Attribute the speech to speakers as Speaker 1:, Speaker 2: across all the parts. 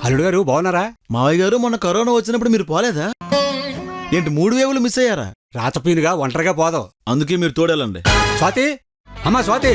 Speaker 1: అల్లుడు గారు బాగున్నారా?
Speaker 2: మావయ్య గారు మొన్న కరోనా వచ్చినప్పుడు మీరు పోలేదా ఏంటి 3 వేవులు మిస్ అయ్యారా?
Speaker 1: రాతపీనుగా ఒంటరిగా పోదాం,
Speaker 2: అందుకే మీరు తోడేలండి.
Speaker 1: స్వాతి, అమ్మా స్వాతి,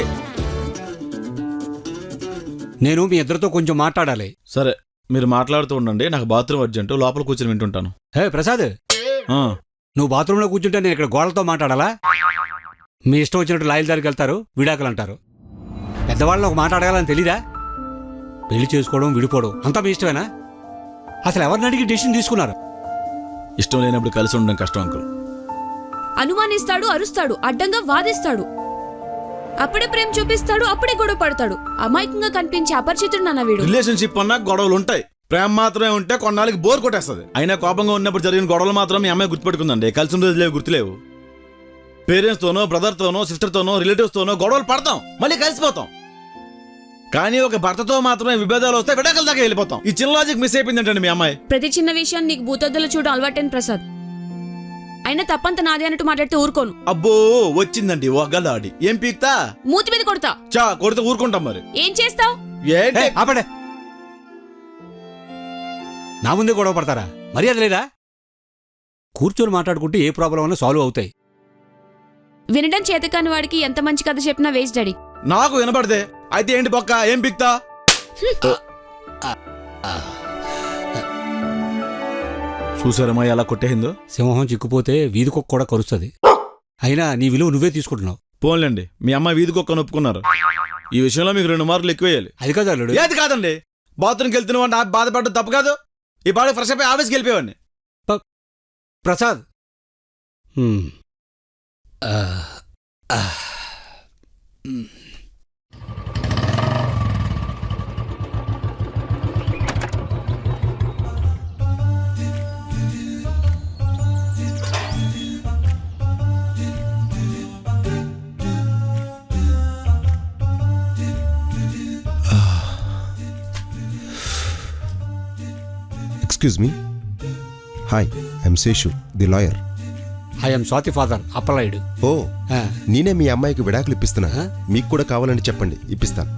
Speaker 1: నేను మీ ఇద్దరితో కొంచెం మాట్లాడాలి.
Speaker 2: సరే మీరు మాట్లాడుతూ ఉండండి, నాకు బాత్రూమ్ అర్జెంట్, లోపల కూర్చొని వింటుంటాను.
Speaker 1: హే ప్రసాద్, నువ్వు బాత్రూంలో కూర్చుంటే నేను ఇక్కడ గోడలతో మాట్లాడాలా? మీ ఇష్టం వచ్చినట్టు లాయల దగ్గరికి వెళ్తారు, విడాకులు అంటారు. పెద్దవాళ్ళని ఒక మాట అడగాలని తెలీదా? పెళ్లి చేసుకోవడం, విడిపోవడం అంతా మీ ఇష్టమేనా? అసలు ఎవరిని అడిగి డెసిషన్ తీసుకున్నారు?
Speaker 2: ఇష్టం లేనప్పుడు కలిసి ఉండడం కష్టం అంకుల్.
Speaker 3: అనుమానిస్తాడు, అరుస్తాడు, అడ్డంగా వాదిస్తాడు, అప్పుడే ప్రేమ చూపిస్తాడు, అప్పుడే గొడవ పడతాడు. అమాయకంగా కనిపించే అపరిచితుడు నాన్న వీడు.
Speaker 2: రిలేషన్షిప్ అన్నా గొడవలు ఉంటాయి, ప్రేమ మాత్రమే ఉంటే కొన్నాళ్ళకి బోర్ కొట్టేస్తుంది. అయినా కోపంగా ఉన్నప్పుడు జరిగిన గొడవలు మాత్రం మీ అమ్మాయి గుర్తుపెట్టుకుందండి, కలిసి ఉండేది గుర్తులేవు. పేరెంట్స్ తోనో, బ్రదర్ తోనో, సిస్టర్ తోనో, రిలేటివ్స్ తోనో గొడవలు పడతాం, మళ్ళీ కలిసిపోతాం. కానీ ఒక భర్తతో మాత్రమే విభేదాలు వస్తే విడాకుల దాకా వెళ్ళిపోతాం. ఈ చిన్న లాజిక్ మిస్ అయిపోయిందంటండి మీ అమ్మాయి.
Speaker 3: ప్రతి చిన్న విషయాన్ని నీకు భూతద్దులు చూడడం అలవాటైన ప్రసాద్. అయినా తప్పంత నాది అన్నట్టు మాట్లాడితే ఊరుకోను.
Speaker 2: అబ్బో వచ్చిందండి ఒగ్గలాడి, ఏం పీక్తా?
Speaker 3: మూతి మీద కొడతా.
Speaker 2: చా కొడితే ఊరుకుంటాం మరి.
Speaker 3: ఏం చేస్తావు?
Speaker 1: ఆపడే, నా ముందే గొడవ పడతారా? మర్యాద లేదా? కూర్చొని మాట్లాడుకుంటే ఏ ప్రాబ్లం అన్నా సాల్వ్ అవుతాయి.
Speaker 3: వినడం చేతకాని వాడికి ఎంత మంచి కథ చెప్పినా వేస్ట్ డాడీ.
Speaker 2: నాకు వినపడితే అయితే ఏంటి పక్క, ఏం పీక్తా? చూసారమ్మా ఎలా కొట్టేసిందో.
Speaker 1: సింహం చిక్కుపోతే వీధి కుక్క కూడా కరుస్తుంది. అయినా నీ విలువ నువ్వే తీసుకుంటున్నావు.
Speaker 2: పోన్లేండి, మీ అమ్మ వీధి కుక్కను ఒప్పుకున్నారు. ఈ విషయంలో మీకు 2 మార్కులు ఎక్కువేయాలి.
Speaker 1: అది కాదు అల్లుడు.
Speaker 2: ఏది కాదండి, బాత్రూమ్కి వెళ్తున్న వాడిని బాధపడడం తప్పు కాదు. ఈ పాడు ఫ్రెష్ అయిపోయి ఆఫీస్కి వెళ్ళిపోయేవాడిని.
Speaker 1: Prasad,
Speaker 4: Excuse me. Hi, I'm Seshu, the lawyer.
Speaker 1: I'm Swathi father Appalayudu.
Speaker 4: ఓ, నేనే మీ అమ్మాయికి విడాకులు ఇప్పిస్తున్నా. మీకు కూడా కావాలని చెప్పండి, ఇప్పిస్తాను.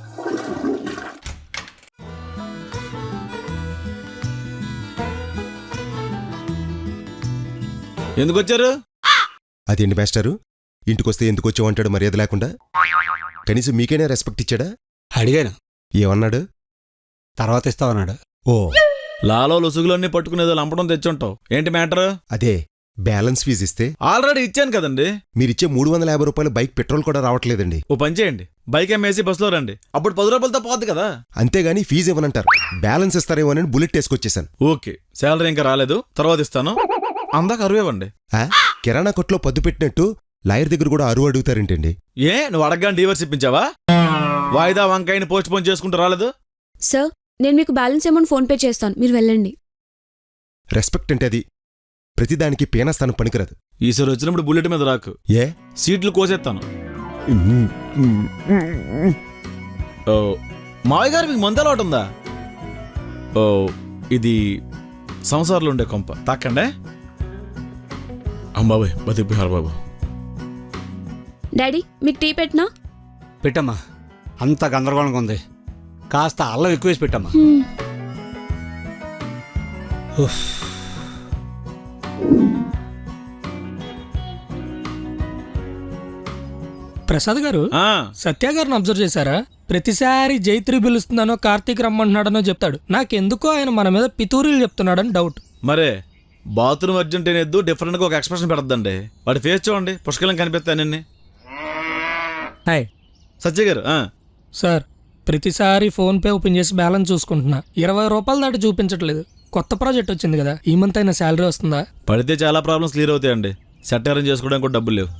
Speaker 2: ఎందుకు వచ్చారు?
Speaker 4: అదేంటి మాస్టారు, ఇంటికొస్తే ఎందుకు వచ్చావంటాడు మర్యాద లేకుండా. కనీసం మీకైనా రెస్పెక్ట్ ఇచ్చాడా?
Speaker 1: అడిగాను,
Speaker 4: ఏమన్నాడు?
Speaker 1: తర్వాత ఇస్తావన్నాడు.
Speaker 4: ఓ,
Speaker 2: లాలో లొసుగులన్నీ పట్టుకునేదో లంపడం తెచ్చుంటావు. ఏంటి మ్యాటర్?
Speaker 4: అదే బ్యాలెన్స్ ఫీజు ఇస్తే
Speaker 2: ఆల్రెడీ ఇచ్చాను కదండి.
Speaker 4: మీరిచ్చే 350 రూపాయలు బైక్ పెట్రోల్ కూడా రావట్లేదండి.
Speaker 2: ఓ పని చేయండి, బైక్ అమ్మేసి బస్సులో రండి, అప్పుడు 10 రూపాయలతో పోద్ది కదా.
Speaker 4: అంతేగాని ఫీజు ఇవ్వనంటారు. బ్యాలెన్స్ ఇస్తారేమో అని బుల్లెట్ వేసుకొచ్చేసాను.
Speaker 2: ఓకే, శాలరీ ఇంకా రాలేదు, తర్వాత ఇస్తాను. అందాక అరువేవండి.
Speaker 4: కిరాణా కొట్లో పద్దు పెట్టినట్టు లాయర్ దగ్గర కూడా అరువు అడుగుతారేంటండి?
Speaker 2: ఏ నువ్వు అడగగానే డీవర్స్ ఇప్పించావా? వాయిదా వంకాయని పోస్ట్ పోన్ చేసుకుంటూ రాలేదు.
Speaker 3: సార్, నేను మీకు బ్యాలెన్స్ అమౌంట్ ఫోన్ పే చేస్తాను, మీరు వెళ్ళండి.
Speaker 4: రెస్పెక్ట్ అంటే అది ప్రతిదానికి పీనస్థానం పనికిరాదు.
Speaker 2: ఈసారి వచ్చినప్పుడు బుల్లెట్ మీద రాకు,
Speaker 4: ఏ
Speaker 2: సీట్లు కోసేస్తాను. ఓ మావయ్య గారు, మీకు మందు అలవాటు ఉందా? ఓ ఇది సంసారంలో ఉండే కొంప, తాకండే. అమ్మాబాయ్ బతికిపోయారు బాబు.
Speaker 3: డాడీ, మీకు టీ పెట్టినా?
Speaker 1: పెట్టమ్మా, అంత గందరగోళంగా ఉంది. కాస్త అల్లం ఎక్కువేసి పెట్టమ్మా.
Speaker 5: ప్రసాద్ గారు, సత్య గారిని అబ్జర్వ్ చేశారా? ప్రతిసారి జైత్రి పిలుస్తున్నానో కార్తీక్ రమ్మంటున్నాడనో చెప్తాడు. నాకెందుకో ఆయన మన మీద పితూరీలు చెప్తున్నాడని డౌట్.
Speaker 2: మరే బాత్రూమ్ అర్జెంట్ అనేద్దు, డిఫరెంట్ గా ఒక ఎక్స్ప్రెషన్ పెడద్దండి. వాడి ఫేస్ చూడండి, పుష్కలం కనిపిస్తానండి.
Speaker 5: హాయ్
Speaker 2: సత్య గారు.
Speaker 5: సార్, ప్రతిసారి ఫోన్ పే ఓపెన్ చేసి బ్యాలెన్స్ చూసుకుంటున్నా, 20 రూపాయలు దాటి చూపించట్లేదు. కొత్త ప్రాజెక్ట్ వచ్చింది కదా, ఈ మంత్ అయినా శాలరీ వస్తుందా?
Speaker 2: పడితే చాలా ప్రాబ్లమ్స్ క్లియర్ అవుతాయండి. సెట్ అరేంజ్ చేసుకోవడానికి కూడా డబ్బులు లేవు.